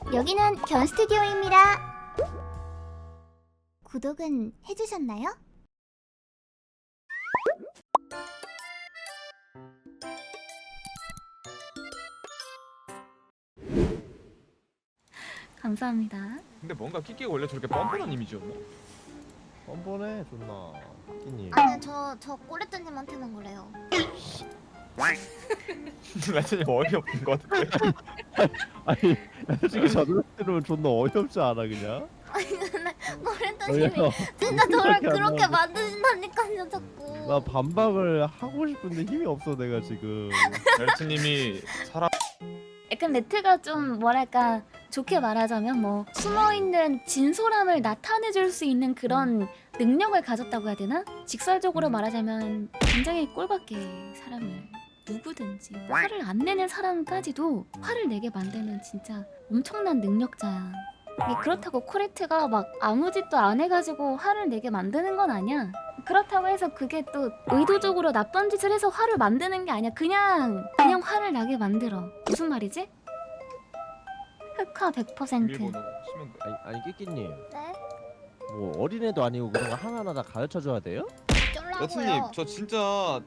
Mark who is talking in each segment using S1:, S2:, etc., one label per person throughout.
S1: 여기는 견 스튜디오입니다. 구독은 해주셨나요? 감사합니다.
S2: 근데 뭔가 끼끼가 원래 저렇게 뻔뻔한 이미지였나?
S3: 뻔뻔해 존나 끼님.
S1: 아니 저 꼬레트님한테는 그래요.
S2: 라틴이 어이없는 것 같은데.
S3: 아니 솔직히 저들한테는 존나 어이없지 않아 그냥?
S1: 꼬레트님이 진짜 저를 그렇게 만드신다니까요 자꾸.
S3: 나 반박을 하고 싶은데 힘이 없어 내가 지금.
S2: 라틴님이 사람
S1: 약간 레트가 좀 뭐랄까 좋게 말하자면 뭐 숨어있는 진솔함을 나타내줄 수 있는 그런 능력을 가졌다고 해야 되나? 직설적으로 말하자면 굉장히 꼴밖에 사람을 누구든지 화를 안 내는 사람까지도 화를 내게 만드는 진짜 엄청난 능력자야. 이게 그렇다고 코레트가 막 아무 짓도 안 해가지고 화를 내게 만드는 건 아니야. 그렇다고 해서 그게 또 의도적으로 나쁜 짓을 해서 화를 만드는 게 아니야. 그냥 화를 나게 만들어. 무슨 말이지? 흑화 100%.
S2: 비밀번호 치면 돼.
S3: 아니 끼끼님
S1: 네?
S3: 뭐 어린애도 아니고 그런 거 하나하나 다 가르쳐줘야 돼요?
S2: 라틴님 저 진짜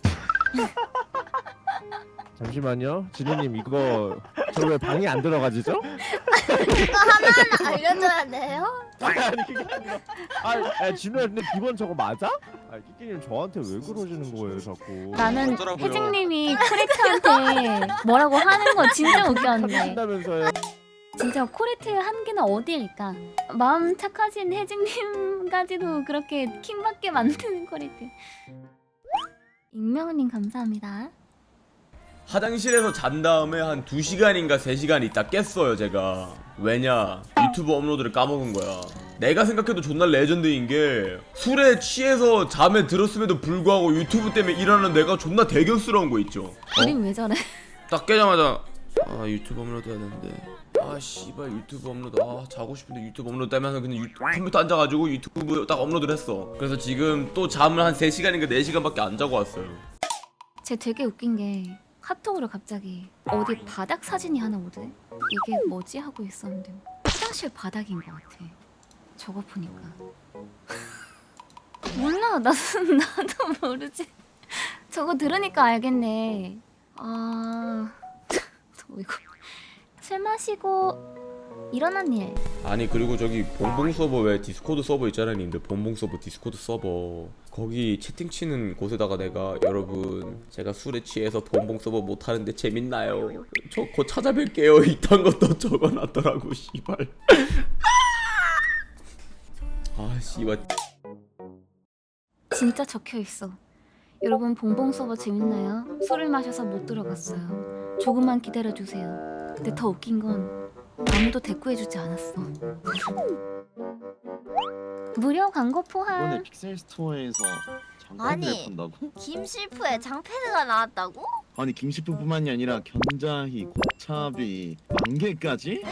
S3: 잠시만요 진우님 이거 저 왜 방에 안 들어가지죠?
S1: 이거 하나하나 알려줘야 돼요?
S3: 아니 그게 아니라 아 진우야 근데 기본 저거 맞아? 아 끼끼님 저한테 왜 그러시는 거예요 자꾸.
S1: 나는
S2: 어쩌라고요?
S1: 혜진님이 코레트한테 뭐라고 하는 거 진짜 웃겼는데.
S3: 참신다면서요.
S1: 진짜 코레트 한계는 어디일까? 마음 착하신 혜진님까지도 그렇게 킹받게 만드는 코레트. 익명님 감사합니다.
S4: 화장실에서 잔 다음에 한 2시간인가 3시간 있다 깼어요 제가. 왜냐? 유튜브 업로드를 까먹은 거야. 내가 생각해도 존나 레전드인 게 술에 취해서 잠에 들었음에도 불구하고 유튜브 때문에 일하는 내가 존나 대견스러운 거 있죠.
S1: 그림 왜 저래?
S4: 딱 깨자마자 아 유튜브 업로드 해야 되는데 아 씨발 유튜브 업로드 아 자고 싶은데 유튜브 업로드 때문에 그냥 컴퓨터 앉아가지고 유튜브 딱 업로드를 했어. 그래서 지금 또 잠을 한 3시간인가 4시간밖에 안 자고 왔어요.
S1: 쟤 되게 웃긴 게 카톡으로 갑자기 어디 바닥 사진이 하나 오대? 이게 뭐지? 하고 있었는데 화장실 바닥인 것 같아. 저거 보니까 몰라. 나도 모르지. 저거 들으니까 알겠네. 이거 술 마시고 일어난 일.
S4: 아니 그리고 저기 봉봉 서버 왜 디스코드 서버 있잖아요 님들. 봉봉 서버 디스코드 서버 거기 채팅 치는 곳에다가 내가 여러분 제가 술에 취해서 봉봉 서버 못하는데 재밌나요? 저 곧 찾아뵐게요 이딴 것도 적어놨더라고 씨발. 아 씨발.
S1: 진짜 적혀있어. 여러분 봉봉 서버 재밌나요? 술을 마셔서 못 들어갔어요. 조금만 기다려주세요. 근데 더 웃긴 건 아무도 대꾸해주지 않았어. 무료 광고 포함.
S5: 이번에 픽셀 스토어에서
S6: 아니.
S5: 장패드를 판다고?
S6: 김실프에 장패드가 나왔다고?
S5: 아니 김시프뿐만이 아니라 견자희, 고차비, 만개까지?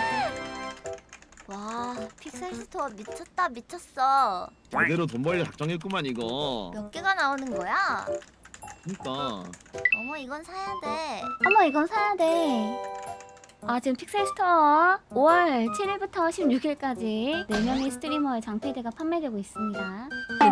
S6: 와 픽셀스토어 미쳤다 미쳤어.
S5: 제대로 돈 벌려 작정했구만 이거.
S6: 몇 개가 나오는 거야?
S5: 그니까
S6: 어머 이건 사야 돼.
S1: 어머 이건 사야 돼. 지금 픽셀스토어 5월 7일부터 16일까지 4명의 스트리머의 장패드가 판매되고 있습니다.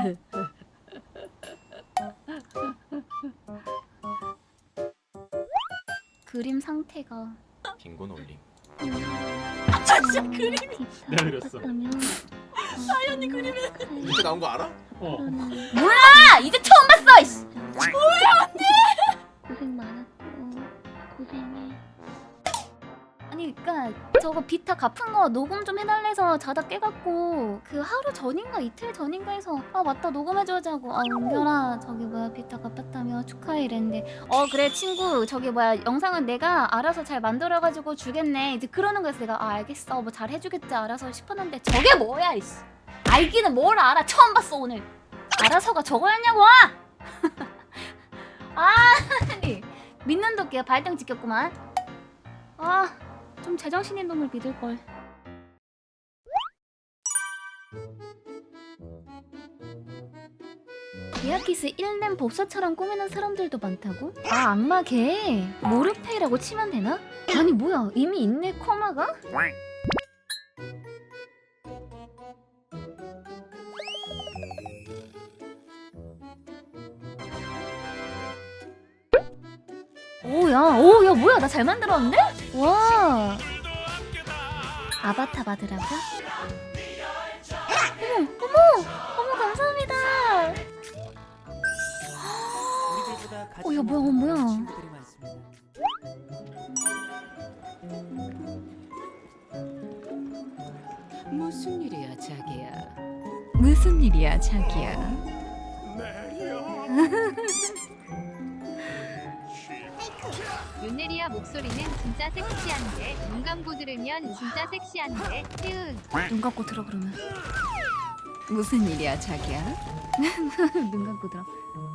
S1: 그림 상태가
S2: 빈곤 올림.
S6: 진짜 그림이
S2: 내가 그렸어.
S6: 사연이 그림이.
S2: 이렇게 나온 거 알아?
S1: 몰라! 이제 처음 봤어! 이씨. 뭐야 언니! 고생 많았고 고생해. 아니 그니까 저거 비타 갚은 거 녹음 좀 해달래서 자다 깨갖고 그 하루 전인가 이틀 전인가 해서 맞다 녹음해줘자고 은별아 저기 뭐야 비타 갚았다며 축하해 이랬는데 그래 친구 저기 뭐야 영상은 내가 알아서 잘 만들어가지고 주겠네 이제 그러는 거였어. 내가 알겠어 뭐 잘 해주겠지 알아서 싶었는데 저게 뭐야 이씨. 알기는 뭘 알아. 처음 봤어 오늘. 알아서가 저거였냐고! 아니 믿는 도끼야 발등 찍혔구만. 좀 제정신인 놈을 믿을걸. 미야키스 1렘 법사처럼 꾸미는 사람들도 많다고? 악마 개 모르페이라고 치면 되나? 아니 뭐야 이미 있네 코마가? 오야 뭐야 나 잘 만들었는데? 와 아바타 받으라고? 어머 감사합니다. 야 뭐야
S7: 무슨 일이야 자기야?
S8: 윤네리아 목소리는 진짜 섹시한데 눈 감고 들으면 진짜 섹시한데 태은
S1: 눈 감고 들어 그러면
S7: 무슨 일이야 자기야?
S1: 눈 감고 들어.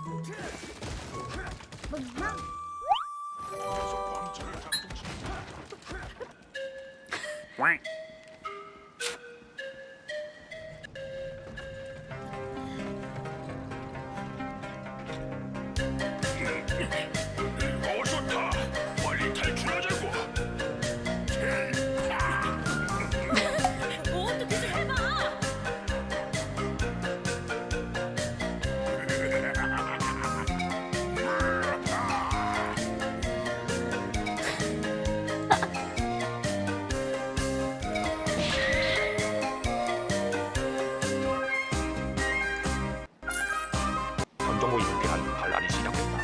S9: 전정호 인피한 반란이 시작됐다.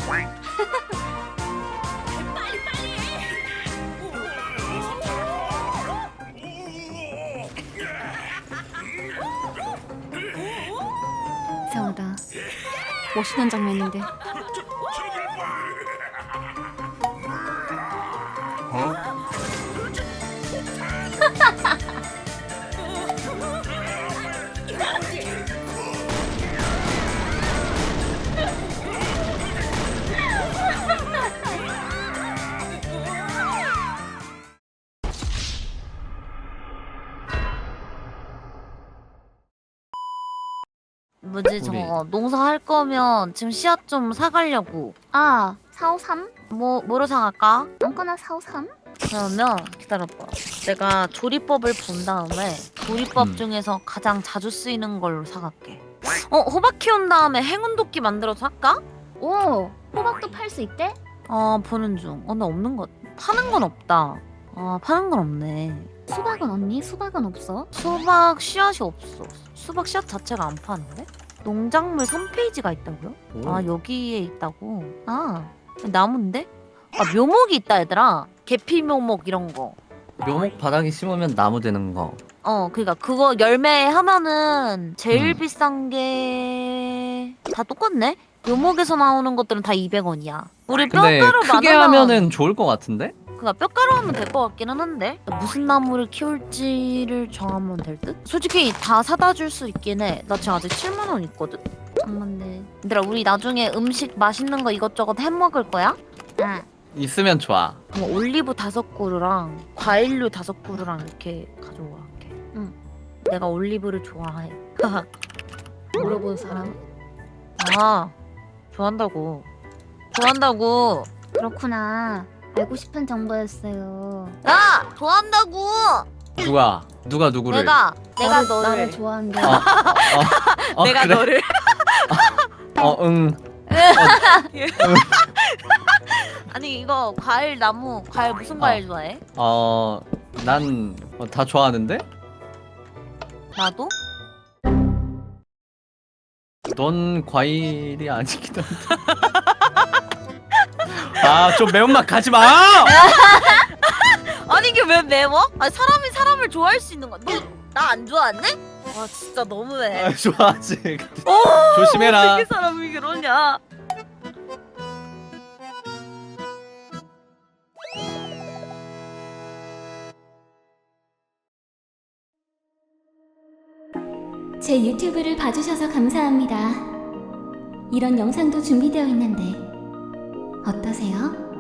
S1: 이상하다. 멋있는 장면인데.
S10: 뭐지 저거 농사할 거면 지금 씨앗 좀 사가려고.
S1: 아 453?
S10: 뭐로 사갈까?
S1: 아무거나 453?
S10: 그러면 기다려봐. 내가 조리법을 본 다음에 조리법 중에서 가장 자주 쓰이는 걸로 사갈게. 호박 키운 다음에 행운도끼 만들어서 할까?
S1: 오 호박도 팔 수 있대?
S10: 보는 중. 근데 없는 것. 파는 건 없다. 파는 건 없네.
S1: 수박은 언니? 수박은 없어?
S10: 수박 씨앗이 없어. 수박 씨앗 자체가 안 파는데? 농작물 3페이지가 있다고요? 여기에 있다고? 나무인데? 묘목이 있다 얘들아. 계피 묘목 이런 거.
S11: 묘목 바닥에 심으면 나무 되는 거.
S10: 그니까 그거 열매 하면은 제일 비싼 게 다 똑같네? 묘목에서 나오는 것들은 다 200원이야. 우리
S11: 근데
S10: 뼈가루
S11: 크게 하면은 좋을 것 같은데?
S10: 그니까 뼈가루 하면 될 것 같기는 한데 무슨 나무를 키울지를 정하면 될 듯? 솔직히 다 사다 줄 수 있긴 해. 나 지금 아직 7만 원 있거든? 잠깐만데 얘들아 우리 나중에 음식 맛있는 거 이것저것 해먹을 거야?
S1: 응.
S11: 있으면 좋아.
S10: 그럼 올리브 5그루랑 과일류 5그루랑 이렇게 가져와 할게.
S1: 응.
S10: 내가 올리브를 좋아해.
S1: 물어본 사람?
S10: 좋아한다고.
S1: 그렇구나. 알고 싶은 정보였어요.
S10: 야! 좋아한다고!
S11: 누가 누구를?
S10: 내가
S1: 나를
S10: 너를
S1: 좋아한대.
S10: 내가
S11: 그래?
S10: 너를
S11: 응.
S10: 아니 이거 과일 무슨 과일 좋아해?
S11: 난 다 좋아하는데?
S10: 나도?
S11: 넌 과일이 아니긴 한데. 좀 매운맛 가지 마!
S10: 아니 이게 왜 매워? 사람이 사람을 좋아할 수 있는 거야. 너 나 안 좋아하네? 와 진짜 너무해.
S11: 좋아하지. 조심해라.
S10: 어떻게 사람이 그러냐?
S12: 제 유튜브를 봐주셔서 감사합니다. 이런 영상도 준비되어 있는데 어떠세요?